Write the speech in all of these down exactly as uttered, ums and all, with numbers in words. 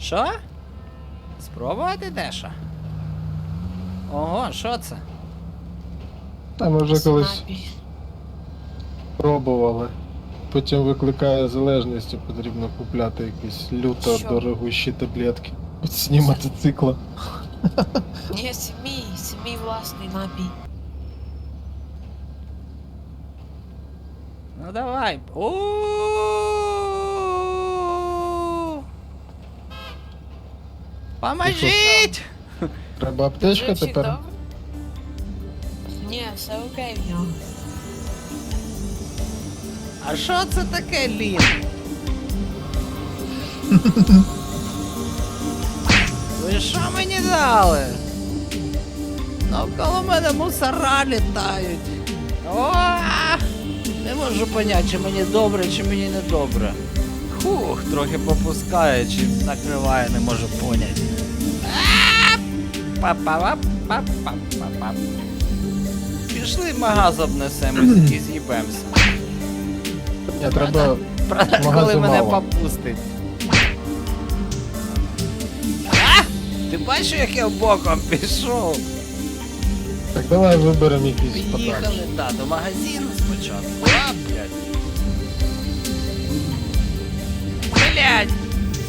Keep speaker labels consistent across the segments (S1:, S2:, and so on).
S1: Що? Спробувати дещо? Ого, що це?
S2: Та ми вже колись
S3: Снапі.
S2: пробували. Потім викликає залежність, і потрібно купляти якісь люто
S3: Що?
S2: дорогущі таблетки. Під сні мотоцикла.
S3: Ні, це мій, це мій власний напій.
S1: Ну давай. У. Поможіть!
S2: Треба аптечка
S3: Звучить
S2: тепер.
S3: добре? Ні, все окей в нього.
S1: А що це таке, Лін? Ви що мені дали? Навколо мене мусора літають. О! Не можу поняти, чи мені добре, чи мені не добре. Хух, трохи попускає, чи накриває, не можу поняти. Па-па-па-па-па-па-па. Пішли в магаз обнесемось і з'їбемося.
S2: Ні, треба.
S1: Правда, коли
S2: магазу
S1: мене
S2: мало.
S1: попустить. А! Ти бачиш, як я боком пішов?
S2: Так давай виберемо якийсь подальше.
S1: Поїхали, да, до магазину спочатку. А, блядь. Блядь.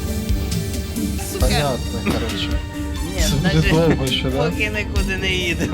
S1: Сука.
S2: Понятно, коротше.
S1: Ні,
S2: Це буде
S1: значить,
S2: довго ще, да?
S1: поки нікуди не їдемо.